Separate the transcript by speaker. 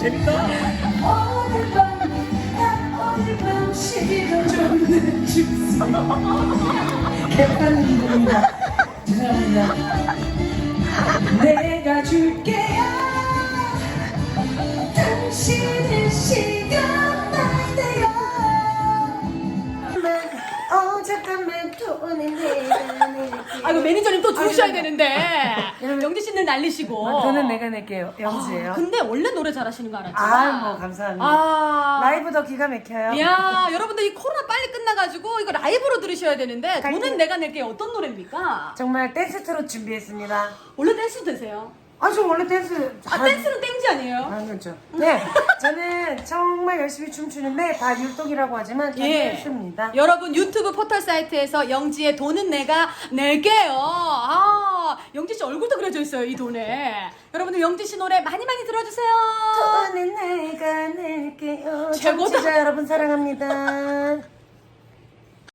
Speaker 1: 재밌다.
Speaker 2: 오늘 밤 시기가 좀 늦었어. 개판인 겁니다. 죄송합니다. 내가 줄게요. 당신의 시간만 돼요. 잠깐만 돈이 내가 낼게.
Speaker 3: 아이고 매니저님 또 주무셔야 되는데 영지 씨는 날리시고.
Speaker 2: 돈은 내가 낼게요. 영지예요.
Speaker 3: 근데 원래 노래 잘하시는 거 알았지?
Speaker 2: 뭐 감사합니다. 라이브도 기가 막혀요.
Speaker 3: 야 여러분들 이 코로나 빨리 끝나가지고 이거 라이브로 들으셔야 되는데 돈은 내가 낼게 어떤 노래입니까?
Speaker 2: 정말 댄스 트롯 준비했습니다.
Speaker 3: 원래 댄스 되세요?
Speaker 2: 저 원래 댄스
Speaker 3: 댄스는 땡지 아니에요?
Speaker 2: 그렇죠. 네, 저는 정말 열심히 춤추는데 다 율동이라고 하지만 저는 댄스입니다.
Speaker 3: 여러분 유튜브 포털 사이트에서 영지의 돈은 내가 낼게요. 영지 씨 얼굴도 그려져 있어요 이 돈에. 여러분들 영지 씨 노래 많이 많이 들어주세요.
Speaker 2: 돈은 내가 낼게요.
Speaker 3: 최고다.
Speaker 2: 청취자 여러분 사랑합니다.